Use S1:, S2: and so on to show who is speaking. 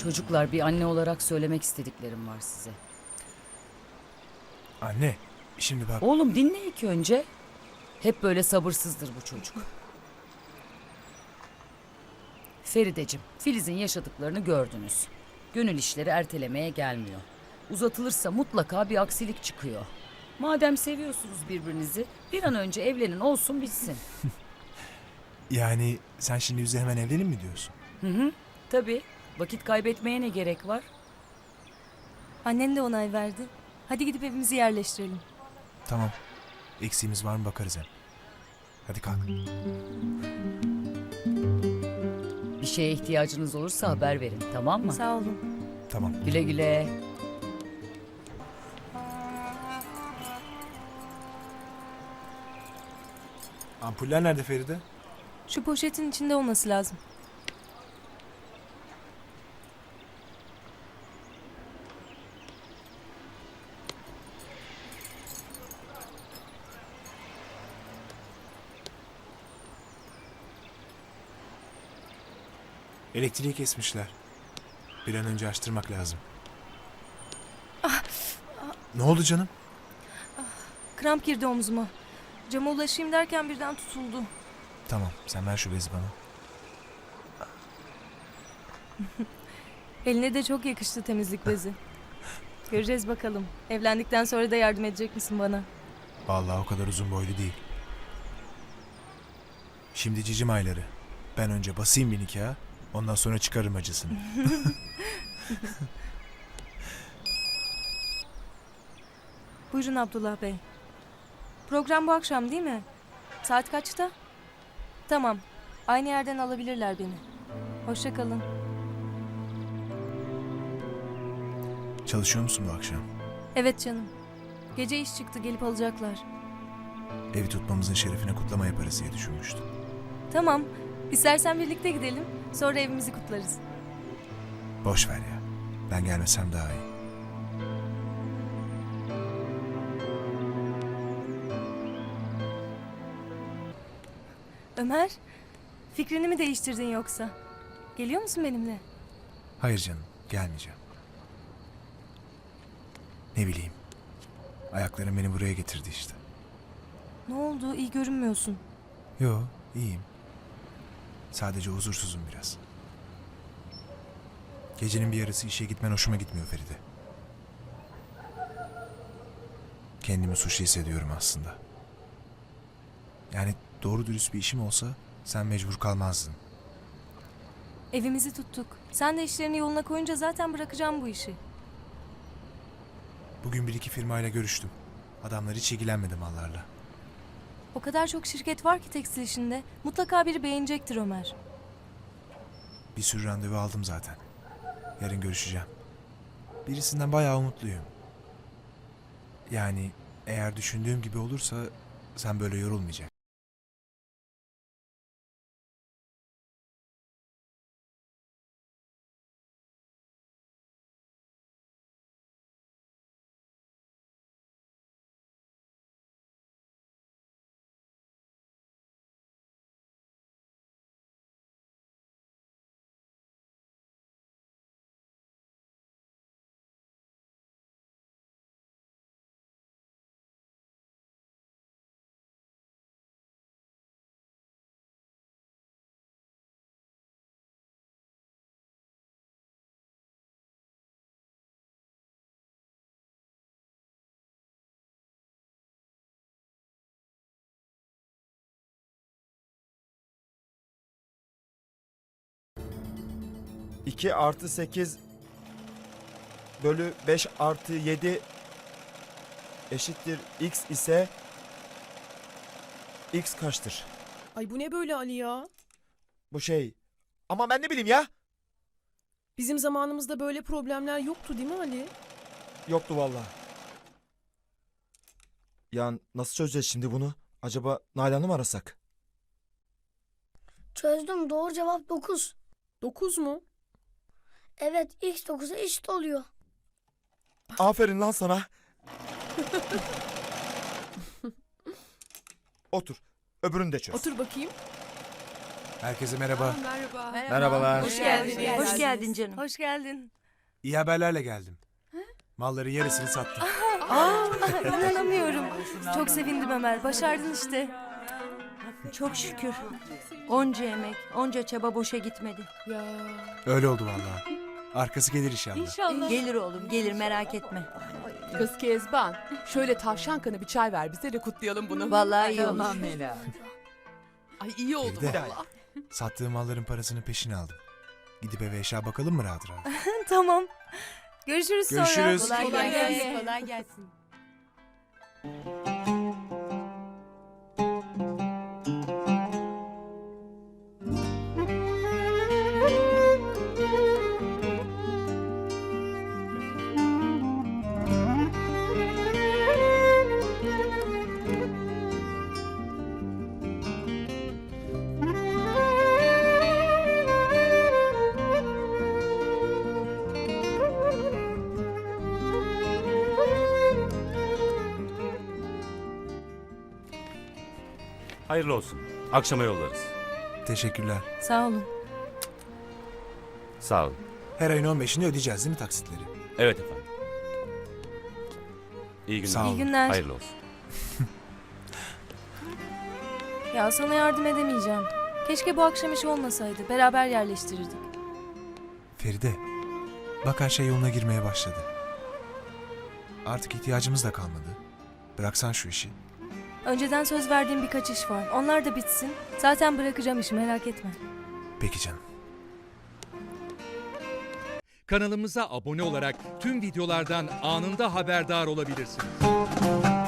S1: Çocuklar, bir anne olarak söylemek istediklerim var size.
S2: Anne, şimdi bak.
S1: Oğlum dinle ilk önce. Hep böyle sabırsızdır bu çocuk. Ferideciğim, Filiz'in yaşadıklarını gördünüz. Gönül işleri ertelemeye gelmiyor. Uzatılırsa mutlaka bir aksilik çıkıyor. Madem seviyorsunuz birbirinizi, bir an önce evlenin, olsun bitsin.
S2: Yani sen şimdi bize hemen evlenin mi diyorsun?
S1: Tabii, vakit kaybetmeye ne gerek var?
S3: Annen de onay verdi. Hadi gidip evimizi yerleştirelim.
S2: Tamam. Eksiğimiz var mı bakarız hem. Hadi kalk.
S1: Bir şeye ihtiyacınız olursa haber verin, tamam mı?
S3: Sağ olun.
S2: Tamam.
S1: Güle güle.
S2: Ampuller nerede Feride?
S3: Şu poşetin içinde olması lazım.
S2: Elektriği kesmişler. Bir an önce açtırmak lazım. Ne oldu canım?
S3: Kramp girdi omzuma. Cama ulaşayım derken birden tutuldu.
S2: Tamam, sen ver şu bezi bana.
S3: Eline de çok yakıştı temizlik bezi. Göreceğiz bakalım. Evlendikten sonra da yardım edecek misin bana?
S2: Vallahi o kadar uzun boylu değil. Şimdi cicim ayları. Ben önce basayım bir nikaha, ondan sonra çıkarırım acısını.
S3: Buyurun Abdullah Bey. Program bu akşam değil mi? Saat kaçta? Tamam. Aynı yerden alabilirler beni. Hoşça kalın.
S2: Çalışıyor musun bu akşam?
S3: Evet canım. Gece iş çıktı, gelip alacaklar.
S2: Evi tutmamızın şerefine kutlama yaparız diye düşünmüştüm.
S3: Tamam. İstersen birlikte gidelim. Sonra evimizi kutlarız.
S2: Boş ver ya. Ben gelmesem daha iyi.
S3: Ömer, fikrini mi değiştirdin yoksa? Geliyor musun benimle?
S2: Hayır canım, gelmeyeceğim. Ne bileyim. Ayaklarım beni buraya getirdi işte.
S3: Ne oldu? İyi görünmüyorsun.
S2: Yo, iyiyim. Sadece huzursuzum biraz. Gecenin bir yarısı işe gitmen hoşuma gitmiyor Feride. Kendimi suçlu hissediyorum aslında. Yani doğru dürüst bir işim olsa sen mecbur kalmazdın.
S3: Evimizi tuttuk. Sen de işlerini yoluna koyunca zaten bırakacağım bu işi.
S2: Bugün bir iki firmayla görüştüm. Adamlar hiç ilgilenmedi mallarla.
S3: O kadar çok şirket var ki tekstil işinde. Mutlaka biri beğenecektir Ömer.
S2: Bir sürü randevu aldım zaten. Yarın görüşeceğim. Birisinden bayağı umutluyum. Yani eğer düşündüğüm gibi olursa sen böyle yorulmayacaksın.
S4: İki artı 8 bölü 5 artı 7 eşittir x ise x kaçtır?
S5: Ay bu ne böyle Ali ya?
S4: Bu şey. Ama ben ne bileyim ya.
S5: Bizim zamanımızda böyle problemler yoktu değil mi Ali?
S4: Yoktu vallahi. Ya nasıl çözeceğiz şimdi bunu? Acaba Nalan'ı mı arasak?
S6: Çözdüm. Doğru cevap 9.
S5: 9 mu?
S6: Evet, x 9'a eşit oluyor.
S4: Aferin lan sana. Otur. Öbürünü de çöz.
S5: Otur bakayım.
S2: Herkese merhaba.
S4: Merhabalar.
S3: Hoş geldin.
S7: Hoş geldin canım.
S3: Hoş geldin.
S2: İyi haberlerle geldim. Malların yarısını sattım.
S3: İnanamıyorum. Çok sevindim Ömer. Başardın işte.
S7: Çok şükür. Onca emek, onca çaba boşa gitmedi.
S2: Öyle oldu vallahi. Arkası gelir inşallah.
S7: Gelir oğlum, gelir merak etme.
S5: Kız Kezban, şöyle tavşan kanı bir çay ver bize de kutlayalım bunu.
S7: Vallahi iyi olur.
S5: Ay iyi oldu
S2: Feride.
S5: valla.
S2: Sattığım malların parasını peşin aldım. Gidip eve eşya bakalım mı rahat rahat?
S3: Tamam. Görüşürüz sonra.
S2: Görüşürüz.
S7: Kolay gelsin. Kolay gelsin.
S8: Hayırlı olsun. Akşama yollarız.
S2: Teşekkürler.
S3: Sağ olun.
S8: Sağ olun.
S2: Her ayın 15'inde ödeyeceğiz değil mi taksitleri?
S8: Evet efendim. İyi günler.
S2: Sağ olun.
S3: İyi günler.
S8: Hayırlı olsun.
S3: Ya sana yardım edemeyeceğim. Keşke bu akşam iş olmasaydı. Beraber yerleştirirdik.
S2: Feride, bak her şey yoluna girmeye başladı. Artık ihtiyacımız da kalmadı. Bıraksan şu işi.
S3: Önceden söz verdiğim birkaç iş var. Onlar da bitsin. Zaten bırakacağım işi, merak etme.
S2: Peki canım.
S9: Kanalımıza abone olarak tüm videolardan anında haberdar olabilirsiniz.